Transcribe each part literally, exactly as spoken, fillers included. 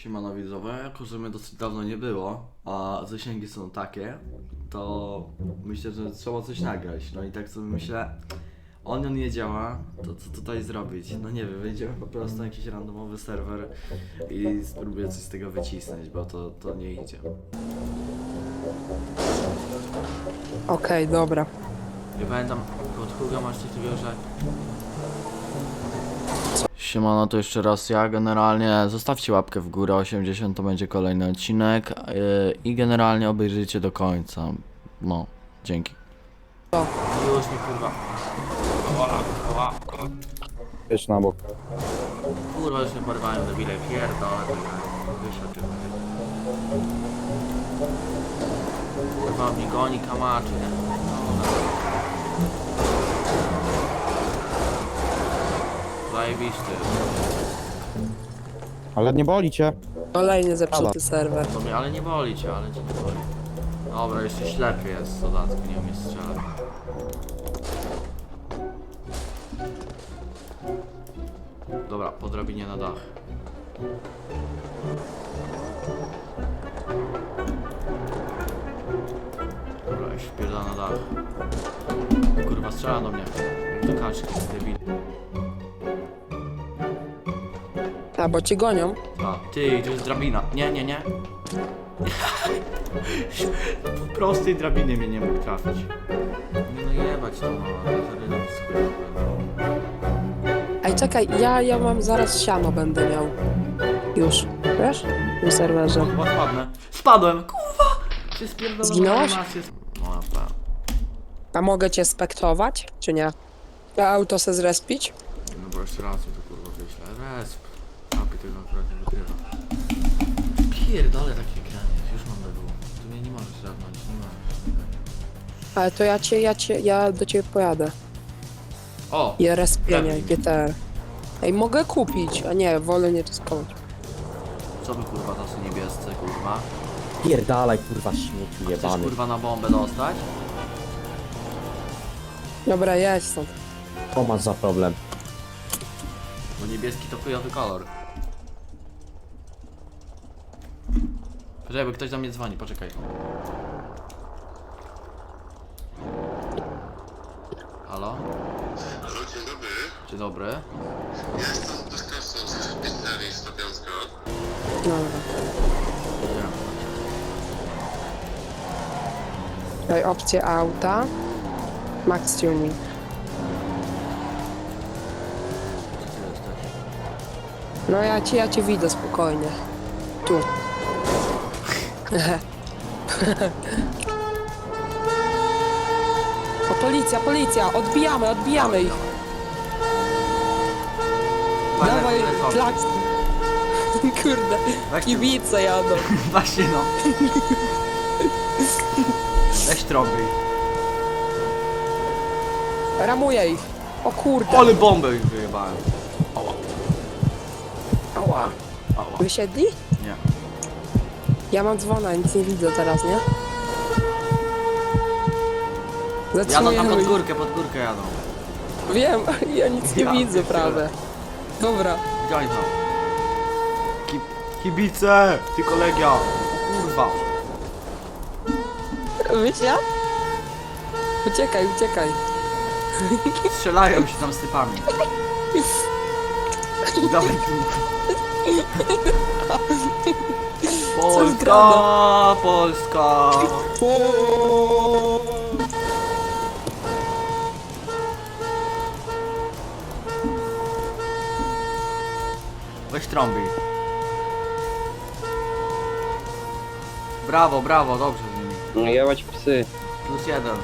Siemano widzowie, jako że mnie dosyć dawno nie było, a zasięgi są takie, to myślę, że trzeba coś nagrać. No i tak sobie myślę, Onion nie działa, to co tutaj zrobić? No nie wiem, wejdziemy po prostu na jakiś randomowy serwer i spróbuję coś z tego wycisnąć, bo to, to nie idzie. Okej, dobra. Nie pamiętam, od kogo masz coś takiego, że... Siemano, to jeszcze raz ja. Generalnie zostawcie łapkę w górę, osiemdziesiąt to będzie kolejny odcinek yy, i generalnie obejrzyjcie do końca. No, dzięki. Co? Już mi kurwa. Jedź na bok. Kurwa, już mnie porwają do bile, pierdolę. Wyszedł tylko. Kurwa, mnie goni kamaczy, nie? Zajebisty. Ale nie boli cię. Kolejny zepsuty serwer. To mnie, ale nie boli cię, ale cię nie boli. Dobra, jeszcze ślepy jest w dodatku, nie umie strzelać. Dobra, po drabinie na dach. Dobra, już wpierdala na dach. Kurwa, strzela do mnie. Do kaczki, debil. A, bo cię gonią? A, ty, tu jest drabina. Nie, nie, nie. Po prostej drabinie mnie nie mógł trafić. Nie no jebać to, no, ale zarydam no. Ej, czekaj, ja, ja mam zaraz siano będę miał. Już, wiesz? W tym serwerze. Chyba spadnę. Spadłem, kurwa! Czy spierdolę Zginąłeś? animację? No, na pewno. A mogę cię spektować, czy nie? A auto se zrespić? No bo jeszcze raz mi to kurwa wyślę. Resp. Apy tego akurat nie wykrywa. Pierdolę takie granie, już mam B W. Tu mnie nie możesz żadnąć, nie możesz. Ale to ja cię, ja cię, ja do ciebie pojadę. O! I respienie, Gremlin. G T R. Ej, mogę kupić, a nie, wolę nie ryskować. Co by kurwa to są niebiescy, kurwa? Pierdalaj, kurwa, śmieciu Chcesz jebany. kurwa na bombę dostać? Dobra, jedź stąd. Co masz za problem? Bo niebieski to chujowy kolor. Poczekaj, bo ktoś do mnie dzwoni, poczekaj. Halo? Halo, dzień dobry. Dzień dobry. Ja jestem dostawcą z pizzerii Stopiącka. Dobra. Idziemy. Daj opcję auta. Max tuning. Gdzie ty jesteś? No ja cię, ja cię widzę spokojnie. Tu. O, policja, policja! Odbijamy, odbijamy ich! Dawaj, klaks! Kurde, Weź ty- kibice jadą. Właśnie no. Weź trąby. Ramuję ich. O kurde. Ale bombę ich wyjebałem. Ała. Ała. Ała. Wysiedli? Nie. Ja mam dzwona, nic nie widzę teraz, nie? Jadą tam Zatrzymujemy pod ich. górkę, pod górkę jadą. Wiem, ja nic nie Ja widzę pierdzielę. prawie. Dobra. Gdzie oni tam? Ki kibice! Ty kolegia! O kurwa! Wysiadł? Uciekaj, uciekaj. Strzelają się tam z typami. Dawaj tu. Polska! Polska! Weź trąby. Brawo, brawo, dobrze z nimi. No jebać psy. Plus jeden.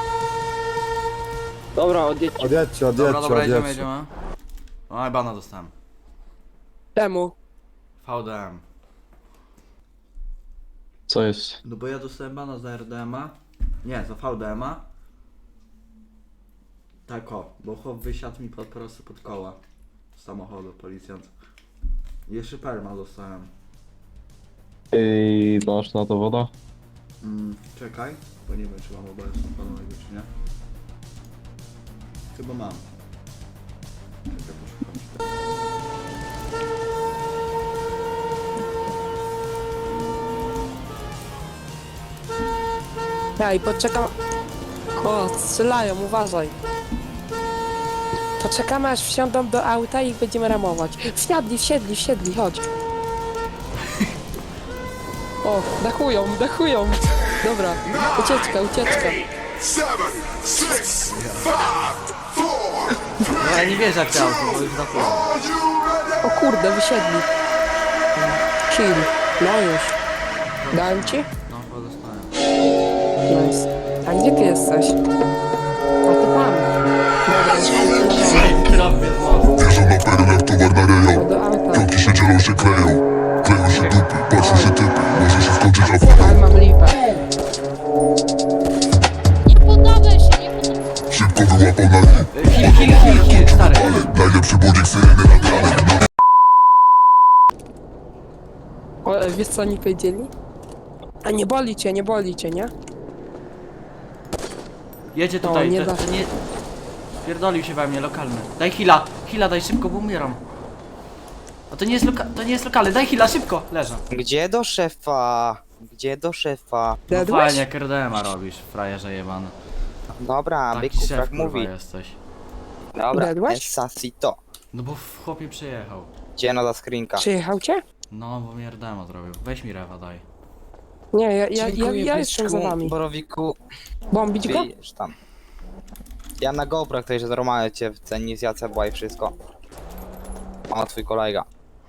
Dobra, odjedźcie. Odjedźcie, Dobra, odjedźcie, dobra, jedziemy, odjedźcie. jedziemy. Oj, bana dostałem. Czemu? V D M. Co jest? No bo ja dostałem bana za R D M a. Nie, za V D M a. Tak o, bo chłop wysiadł mi po prostu pod koła z samochodu, policjant. I jeszcze perma dostałem. Ej, masz na to woda? Mm, czekaj, bo nie wiem czy mam obecną panowie czy nie. Chyba mam. Czekaj, poszukam. Ej, poczekam. O, strzelają, uważaj. Poczekamy aż wsiądą do auta i ich będziemy ramować. Wsiadli, wsiedli, wsiedli, chodź. O, dachują, dachują. Dobra, ucieczka, ucieczka. seven, six, five, four, No ja nie wierzę w te auto, bo już zapomnę. are you ready? O kurde, wysiedli. Chill. No już. Dałem ci? No, chyba dostałem. Nice. A gdzie ty jesteś? A ty tam. Dobra, Trafię w most. Wjeżdżam na perlę, towar na rejon. do auta. Kroki się dzielą, się kleją. Kleją się dupy, patrzą się typy. Może się skończyć aferą. Ale mam lipę. Nie poddawaj się, nie poddawaj się. Szybko wyłapał na hit. Kill, kill, kill, kill, stary. Najlepszy budzik syreny nagrany. O, e, wiesz co oni powiedzieli? A nie boli cię, nie boli cię, nie? Jedzie O, tutaj, nie to, da. to nie... Pierdolił się we mnie, lokalny. Daj hila, hila daj szybko, bo umieram. A to nie jest loka... to nie jest lokalny, daj hila, szybko, leżę. Gdzie do szefa? Gdzie do szefa? No Dedłeś? fajnie, jak R D M a robisz, frajerze jebany. Dobra, Taki byku, szef, tak kurwa, mówi. jesteś. Dobra, Dedłeś? Esasito. No bo w chłopie przyjechał. Gdzie nowa skrinka? Przyjechał cię? No, bo mi R D M a zrobił. Weź mi rewa, daj. Nie, ja, ja, ja, Dziękuję, ja jestem za byczku, wami. Borowiku, Bombić go? wiesz tam. Ja na GoPro, ktoś że normalnie cię ceni z Jacebła i wszystko. O, twój kolega.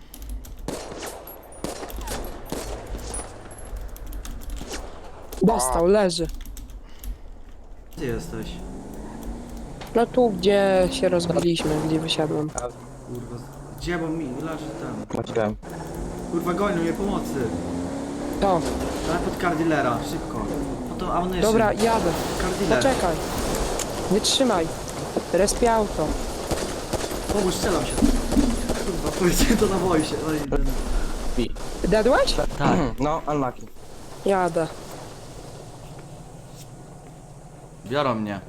Dostał, leży. Gdzie jesteś? No tu, gdzie się rozbiliśmy, gdzie wysiadłem. Kurwa, gdzie, bo mi leży ten. Maciłem. Kurwa, gonią mnie pomocy. To, Daj pod car dealera, szybko. No to ammunition. dobra, jadę. Car dealer. Poczekaj. Wytrzymaj. Respię auto. Pomóż, strzelam się. Kurwa, powiedzcie to na wojsie. No i ten... Dedłeś? Tak. No, unlucky. Jadę. Biorą mnie.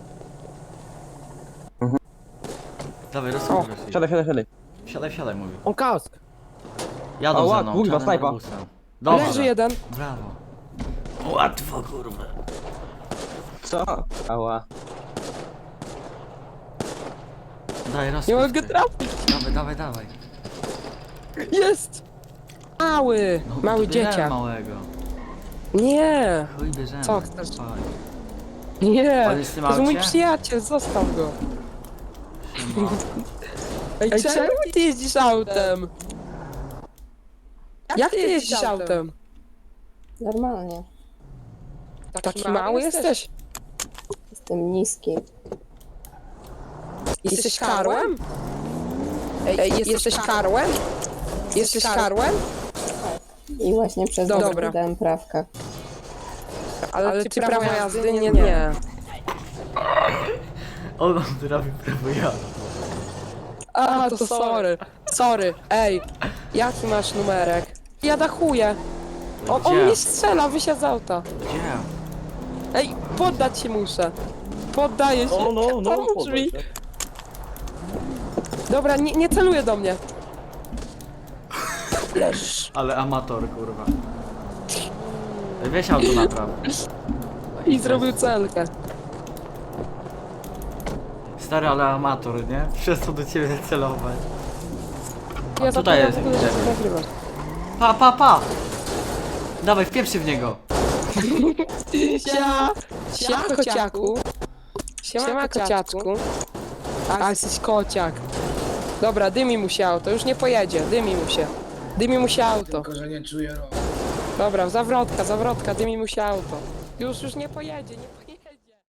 Dawaj, O, rozsłuchaj. Siadaj, siadaj, siadaj. Siadaj, siadaj, mówi. On kask. Jadą Ała, za mną, kurwa, czarnym snajpa. autobusem. Dobrze. Leży jeden. Brawo. Łatwo, kurwa. Co? Ała. Daj, rozpuść. Nie mogę ty. trafić. Dawaj, dawaj, dawaj. Jest! Mały, No, mały to bierzemy dzieciak. małego. Nie, Chuj, bierzemy. Co chcesz? Faj. nie. On jest w tym To jest mój aucie? przyjaciel, zostaw go. Siema. Ej, czemu ty jeździsz autem? Jak ty jeździsz autem? Normalnie. Taki mały jesteś? Jestem niski. Jesteś karłem? Ej, jesteś karłem? Jesteś karłem? I właśnie przez Dobra. to wydałem prawka. Ale ty prawo jazdy? Nie, nie. On nam zrobił prawo jazdy. A, to sorry. Sorry. Ej, jaki masz numerek? Ja dachuję. On, on Gdzie? mnie strzela, wysiadł z auta. Gdzie? Ej, poddać się muszę. Poddaję się. No, no, no. Pomóż mi. Dobra, nie, nie celuję do mnie. Leż. Ale amator, kurwa. Ej, weź auto napraw. I zrobił celkę. Stary, ale amator, nie? Przestał do ciebie celować. Ja tutaj zapomniałam jest, w ogóle, że widzę. to nagrywasz. Pa, pa, pa! Dawaj, wpieprzy w niego. Sia, siema kociaku. Siema kociaczku. A jesteś kociak. Dobra, dymi mu się auto, już nie pojedzie, dymi mu się. Dymi mu się auto. Tylko, że nie czuję rąk. Dobra, zawrotka, zawrotka, dymi mu się auto. Już, już nie pojedzie, nie pojedzie.